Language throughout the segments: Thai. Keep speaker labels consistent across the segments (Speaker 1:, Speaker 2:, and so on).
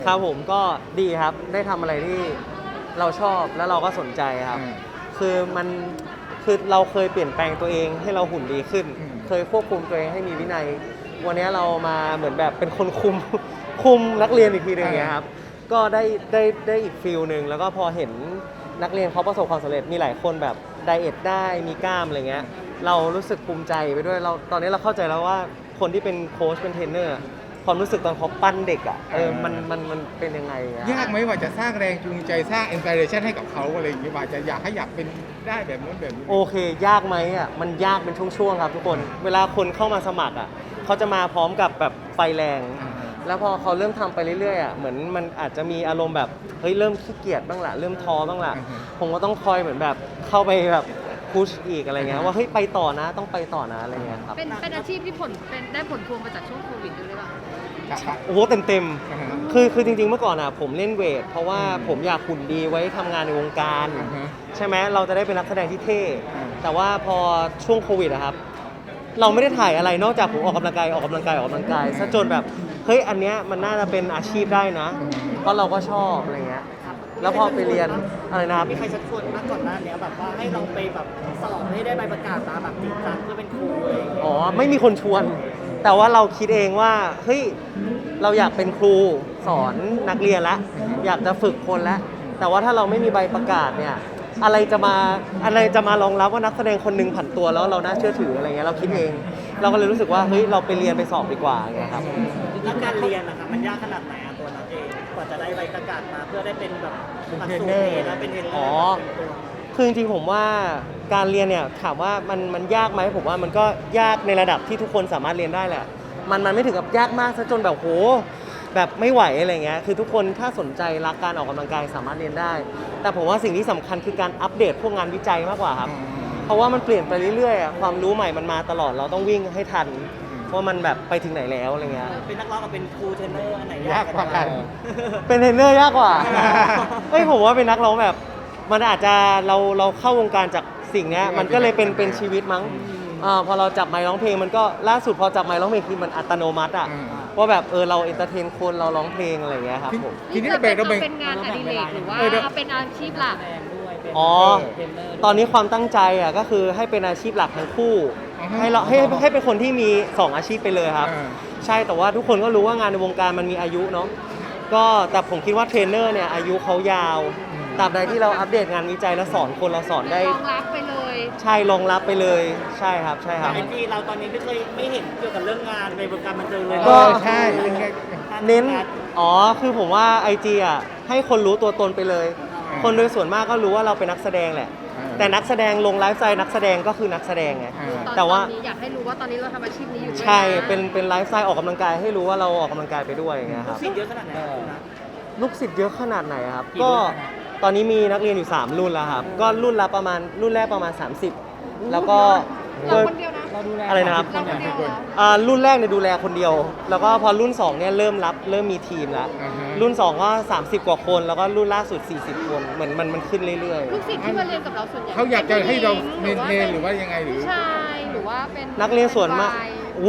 Speaker 1: ครับผมก็ดีครับได้ทำอะไรที่เราชอบแล้วเราก็สนใจครับคือมันคือเราเคยเปลี่ยนแปลงตัวเองให้เราหุ่นดีขึ้นเคยควบคุมตัวเองให้มีวินัยวันนี้เรามาเหมือนแบบเป็นคนคุมนักเรียนอีกทีหนึงอย่างเงี้ยครับก็ได้อีกฟิลหนึ่งแล้วก็พอเห็นนักเรียนเขาประสบความสำเร็จมีหลายคนแบบไดเอทได้มีกล้ามอะไรเงี้ยเรารู้สึกภูมิใจไปด้วยเราตอนนี้เราเข้าใจแล้วว่าคนที่เป็นโค้ชเป็นเทรนเนอร์ความรู้สึกตอนเขาปั้นเด็กอ่ะมันเป็นยังไงอะ
Speaker 2: ยากไหมว่าจะสร้างแรงจูงใจสร้างอินสปิเรชันให้กับเขาอะไรอย่างเงี้ยว่าจะอยากเป็นได้แบบนู้นแบบนี้
Speaker 1: โอเคยากไหมอ่ะมันยากเป็นช่วงๆครับทุกคนเวลาคนเข้ามาสมัครอ่ะเขาจะมาพร้อมกับแบบไฟแรง แล้วพอเขาเริ่มทำไปเรื่อยๆอ่ะเหมือนมันอาจจะมีอารมณ์แบบเฮ้ยเริ่มขี้เกียจบ้างละเริ่มท้อบ้างละผมก็ต้องคอยเหมือนแบบเข้าไปแบบพุชอีกอะไรเงี้ยว่าเฮ้ยไปต่อนะต้องไปต่อนะอะไรเงี้ยครับ
Speaker 3: เป็นอาชีพที่ได้ผลพวงมาจากช่วงโควิดด้วยหรือเปล่า
Speaker 1: โอ้โหเต็มคือจริงๆเมื่อก่อนอ่ะผมเล่นเวทเพราะว่าผมอยากหุ่นดีไว้ทำงานในวงการใช่ไหมเราจะได้เป็นนักแสดงที่เท่แต่ว่าพอช่วงโควิดอะครับเราไม่ได้ถ่ายอะไรนอกจากผมออกกำลังกายซะจนแบบเฮ้ยอันเนี้ยมันน่าจะเป็นอาชีพได้นะเพราะเราก็ชอบอะไรเงี้ยแล้วพอไปเรียนอะไรนะครับ
Speaker 4: มีใครชักชวนมาก่อนหน้านี้แบบว่าให้ลองไปแบบสอบให้ได้ใบประกาศมาแบบจริงจังเพื่อเป็นครูอะไรอย่างเงี้ย
Speaker 1: อ๋อไม่มีคนชวนแต่ว่าเราคิดเองว่าเฮ้ยเราอยากเป็นครูสอนนักเรียนละอยากจะฝึกคนละแต่ว่าถ้าเราไม่มีใบประกาศเนี่ยอะไรจะมารองรับว่านักแสดงคนหนึงผันตัวแล้วเราน่าเชื่อถืออะไรเงี้ยเราคิดเองเราก็เลยรู้สึกว่าเฮ้ยเราไปเรียนไปสอบดีกว่าไงครับ
Speaker 4: แล้วการเรียนนะคะมันยากขนาดไหนอะตัวนักเองกว่าจะได้ใบประกาศมาเพื่อได้เป็นแบบหลักสูตรเองแล้วเป็นเทรนเนอร์
Speaker 1: คือจริงๆผมว่าการเรียนเนี่ยถามว่ามันยากไหมผมว่ามันก็ยากในระดับที่ทุกคนสามารถเรียนได้แหละมันไม่ถึงกับยากมากซะจนแบบโหแบบไม่ไหวอะไรเงี้ยคือทุกคนถ้าสนใจรักการออกกำลังกายสามารถเรียนได้แต่ผมว่าสิ่งที่สำคัญคือการอัปเดตพวกงานวิจัยมากกว่าครับเพราะว่ามันเปลี่ยนไปเรื่อยๆความรู้ใหม่มันมาตลอดเราต้องวิ่งให้ทันว่ามันแบบไปถึงไหนแล้วอะไรเงี้ย
Speaker 4: เป็นนักร้องกับเป็นครูเทรนเนอร์อันไหน
Speaker 2: ยากกว่ากัน
Speaker 1: เป็นเทรนเนอร์ยากกว่าเฮ้ยผมว่าเป็นนักร้องแบบมันอาจจะเราเข้าวงการจากสิ่งนี้มันก็เลยเป็นชีวิตมั้งพอเราจับไมค์ร้องเพลงมันก็ล่าสุดพอจับไมค์ร้องเพลงคือมันอัตโนมัติอ่ะว่าแบบเราเอนเตอร์เทนคนเราร้องเพลงอะไรอย่างเงี้ยครับผม
Speaker 2: ทีนี้เรา
Speaker 3: เป็นงานอดิเรกหรือว่าเป็นอาชีพหลัก
Speaker 1: อ๋อตอนนี้ความตั้งใจอ่ะก็คือให้เป็นอาชีพหลักทั้งคู่ให้เป็นคนที่มี2อาชีพไปเลยครับใช่แต่ว่าทุกคนก็รู้ว่างานในวงการมันมีอายุเนาะก็แต่ผมคิดว่าเทรนเนอร์เนี่ยอายุเขายาวตราบใดที่เราอัปเดตงานวิจัยแล้วสอนคนเราสอนได้
Speaker 3: รองรับไปเลย
Speaker 1: ใช่รองรับไปเลยใช่ครับ
Speaker 4: แต่ไอจีเราตอนนี้ไม่เห็นเกี่ยวกับเรื่องงานในวงการบันเทิงเลย
Speaker 1: ก็
Speaker 2: ใช่
Speaker 1: เน้นคือผมว่า IG อ่ะให้คนรู้ตัวตนไปเลยคนโดยส่วนมากก็รู้ว่าเราเป็นนักแสดงแหละแต่นักแสดงลงไลฟ์สไตล์นักแสดงก็คือนักแสดงไงแต่ว่า
Speaker 3: อยากให้รู้ว่าตอนนี้เราทำอาชีพนี้อยู่
Speaker 1: ใช่เป็นไลฟ์สไตล์ออกกำลังกายให้รู้ว่าเราออกกำลังกายไปด้วยอย่างเงี้ยครับ
Speaker 4: ลูกศิษย์เยอะขนาดไหน
Speaker 1: ลูกศิษย์เยอะขนาดไหนครับก็ตอนนี้มีนักเรียนอยู่3รุ่นแล้วครับก็รุ่นแรกประมาณ30แล้วก็
Speaker 3: เราคนเดียวนะ
Speaker 1: อะไรนะครับรุ่นแรกเนี่ยดูแลคนเดียวแล้วก็พอรุ่น2เนี่ยเริ่มมีทีมแล้วรุ่น2ก็30กว่าคนแล้วก็รุ่นล่าสุด40คนเหมือนมันขึ้นเรื่อย
Speaker 3: ๆลูกศิษย์ที่มาเรียนกับเราส่วนใหญ่
Speaker 2: เขาอยากจะให้เราเมนหรือว่ายังไงหรือ
Speaker 3: ใช่หรือว่าเป็น
Speaker 1: นักเรียนส่วนมาก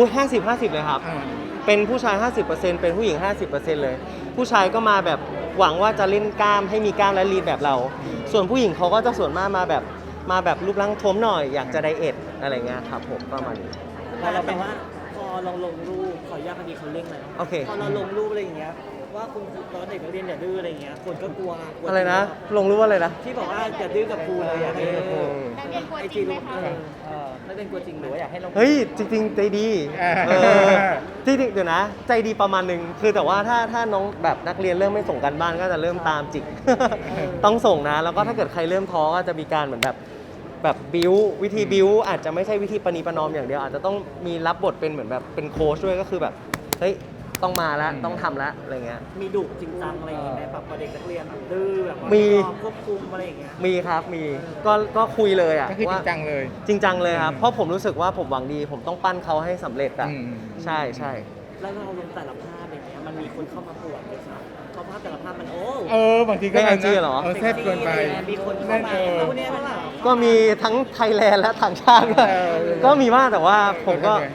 Speaker 1: 50เลยครับเป็นผู้ชาย 50% เป็นผู้หญิง 50% เลยผู้ชายก็มาแบบหวังว่าจะเล่นกล้ามให้มีกล้ามและลีนแบบเราส่วนผู้หญิงเขาก็จะส่วนมากมาแบบรูปร่างท้วมหน่อยอยากจะไดเอทอะไรเงี้ยครับผมประมาณนี้
Speaker 4: พอเราเป็นว่าพอเราลงรูปขออนุญาตพอดีเขาเร่งแล้ว
Speaker 1: โอเค
Speaker 4: พอเราลงรูปอะไรอย่างเงี้ยว่าคุณตอนเด็กนักเรียนอย่าดื้ออะไรอย่างเงี้ยคนก็กลัว
Speaker 1: อะไรนะลงรูปอะไรนะ
Speaker 4: ที่บอกว่าอย่าดื้อกับครูเลยอะ
Speaker 3: ไอจีรูป
Speaker 4: ไม่เป็นกลัวจริงหรือว่าอยากให้ลง
Speaker 1: เฮ้ยจริงๆใจดีจริงๆเดี๋ยวนะใจดีประมาณนึงคือแต่ว่าถ้าน้องแบบนักเรียนเริ่มไม่ส่งกันบ้านก็จะเริ่มตามจิกต้องส่งนะแล้วก็ถ้าเกิดใครเริ่มท้อก็จะมีการเหมือนแบบบิววิธีบิวอาจจะไม่ใช่วิธีประนีประนอมอย่างเดียวอาจจะต้องมีรับบทเป็นเหมือนแบบเป็นโค้ชด้วยก็คือแบบเฮ้ยต้องมาแล้วต้องทำแล้วอะไรเงี้ย
Speaker 4: มีดุจริงจังอะไรอย่างเงี้ยแบบเด็กนักเรียนดื้อแบบ
Speaker 1: มี
Speaker 4: ควบคุมอะไรอย่างเงี้ย
Speaker 1: มีครับมีก็คุยเลยอ่ะ
Speaker 2: ก็คือจริงจังเลย
Speaker 1: จริงจังเลยครับเพราะผมรู้สึกว่าผมหวังดีผมต้องปั้นเขาให้สำเร็จอ่ะใช่
Speaker 4: แล้วเราลงแต่ละภาพอย่างเงี้ยมันมีคนเข้ามาปวดเลยครับเพราะภาพแต่ละภาพมัน
Speaker 2: บางทีก็
Speaker 1: ใน IG เหรอ
Speaker 2: แซ่บเกินไป
Speaker 4: มีคนเข้ามาพวกนี้
Speaker 1: ก็มีทั้งไทยแลนด์และต่างชาติก็มีมากแต่ว่าผมก็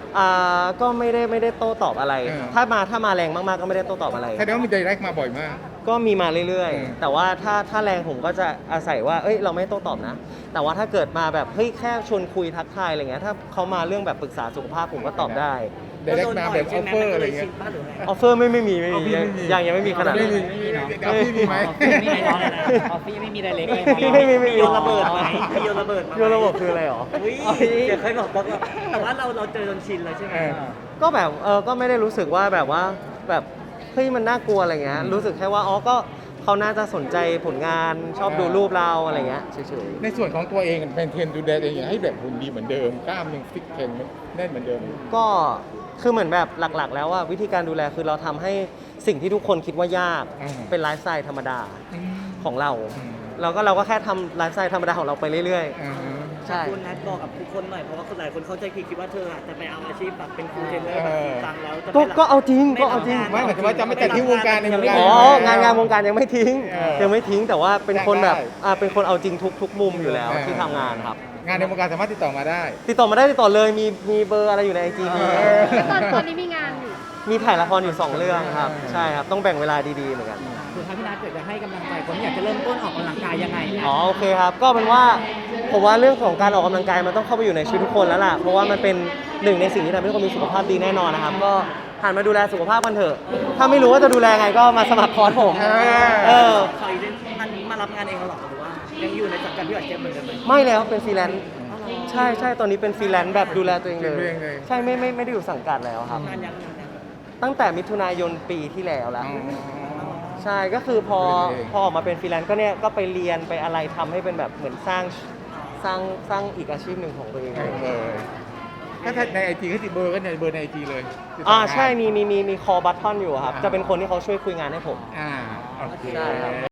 Speaker 1: ก็ไม่ได้โต้ตอบอะไร ถ้ามาแรงมากๆก็ไม่ได้โต้ตอบอะไร
Speaker 2: แสดงว่ามี direct มาบ่อยมาก
Speaker 1: ก็มีมาเรื่อย
Speaker 2: อืม
Speaker 1: ๆ แต่ว่าถ้าแรงผมก็จะอาศัยว่า เอ้ย เราไม่โต้ตอบนะ แต่ว่าถ้าเกิดมาแบบ เฮ้ย แค่ชวนคุยทักทายอะไรเงี้ย ถ้าเขามาเรื่องแบบปรึกษาสุขภาพผมก็ตอบได้
Speaker 2: direct มาแบบ offer อะไรเงี้ย
Speaker 1: ออฟเฟอร์ไม่มี
Speaker 2: เอาพี่ไม่มี
Speaker 1: ยังไม่มีขนาด
Speaker 2: ไม่
Speaker 1: นั้น
Speaker 2: มีเอาพี่มีไหม
Speaker 4: ไม่มีน้องเลยนะออฟฟี่ไม่มีไดเรกเลย
Speaker 1: พี่ไม่มี
Speaker 4: โยนระเบิดไหมโยนระเบิดมาไหม
Speaker 1: โยนระบบคืออะไรหรอ
Speaker 4: อุ๊ยเดี๋ยวค่อยบอกแต่ว่าเราเจอจนชินแล้วใช่ไหม
Speaker 1: ก็แบบก็ไม่ได้รู้สึกว่าแบบว่าแบบเฮ้ยมันน่ากลัวอะไรเงี้ย รู้สึกแค่ว่าอ๋อก็เขาน่าจะสนใจผลงานชอบดูรูปเราอะไรเงี้ยเฉย
Speaker 2: ในส่วนของตัวเองเป็นเทรนดูแลเองให้แบบหุ่นดีเหมือนเดิมกล้ามยังฟิตแข็งแน่นเหมือนเดิม
Speaker 1: ๆก็คือเหมือนแบบหลักๆ แล้วว่าวิธีการดูแลคือเราทำให้สิ่งที่ทุกคนคิดว่ายาก
Speaker 2: อืม
Speaker 1: เป็นไลฟ์สไตล์ธรรมดา
Speaker 2: อืม
Speaker 1: ของเรา
Speaker 2: อืม
Speaker 1: เราก็แค่ทำไลฟ์สไตล์ธรรมดาของเราไปเรื่อย
Speaker 2: อ่าฮะ
Speaker 1: ๆ ใช่
Speaker 4: คุณนัทบอกกับทุกคนหน่อยเพราะว่าคนหลายคนเข้าใจผิดคิดว่าเธออาจจะไปเอาอาชีพแบบเป็นครูเทรนเนอร์แบบจริงจังแล้วจะไปรับ
Speaker 1: ก็เอาจริงก็เอาจริง
Speaker 2: ไม่หมายถึงว่าจะไม่ตัดทิ้งวงการในวงการ
Speaker 1: อ๋องานวงการยังไม่ทิ้ง
Speaker 2: เออ
Speaker 1: ยังไม่ทิ้งแต่ว่าเป็นคนแบบ
Speaker 2: ได้
Speaker 1: เป็นคนเอาจริงทุกมุมอยู่แล้ว
Speaker 2: เออ
Speaker 1: ที่ทำงานครับ
Speaker 2: งานในวงการสามารถติดต่อมาได้
Speaker 1: ติดต่อมาได้ติดต่อเลยมีเบอร์อะไรอยู่ในไอจีมี
Speaker 2: เออ
Speaker 3: ตอนนี้มีงานอยู่
Speaker 1: มีถ่ายละครอยู่ 2 เรื่องครับ ใช่ครับ ต้องแบ่งเวลาดีๆเหมือนกัน
Speaker 4: คือถ้าพี่นัทเกิดจะให้กำลังใจคนที่อยากจะเริ่มต้นออกกำลังกายยังไงนะ
Speaker 1: อ๋อโอเคครับ ก็เป็นว่าผมว่าเรื่องของการออกกำลังกายมันต้องเข้าไปอยู่ในชีวิตทุกคนแล้วล่ะ เพราะว่ามันเป็นหนึ่งในสิ่งที่ทำให้ทุกคนมีสุขภาพดีแน่นอนนะครับ ก็หันมาดูแลสุขภาพกันเถอะ ถ้าไม่รู้ว่าจะดูแลไงก็มาสมัครคอร์สผม
Speaker 4: คอยเล่นอันนี้มารับงานเองเหรอหรือว่ายังอยู่ในสังกัดพี่อัดเจมเหมือนเดิมไหม
Speaker 1: ไม่แล้วเป็นฟรีแลนซ์ใช่ตอนนี้เป็นฟรีแลนซ์แบบดูแลตัวเองเลย
Speaker 2: ดูแลตัวเองเลย
Speaker 1: ใช่ไม่ได้อยู่สังกัดแล้วครับ
Speaker 4: งานยัง
Speaker 1: ตั้งแต่มิถุนายนปีที่แล้วแล้ว
Speaker 2: อ๋อ
Speaker 1: ใช่ก็คือพอ
Speaker 2: ดูแลตัวเอง
Speaker 1: ออกมาเป็นฟรีแลนซ์ก็เนี่ยก็ไปเรียนไปอะไรทำให้เป็นแบบเหมือนสร้างอีกอาชีพหนึ่งของตัวเอง
Speaker 2: ถ้าในไอจีก็ติดเบอร์ก็ในเบอร์ในไอจีเลยติดต่
Speaker 1: อ่า
Speaker 2: ได้
Speaker 1: ใช่มีคอบัตทอนอยู่ครับ จะเป็นคนที่เขาช่วยคุยงานให้ผม
Speaker 2: โอเค
Speaker 1: ใช่ครับ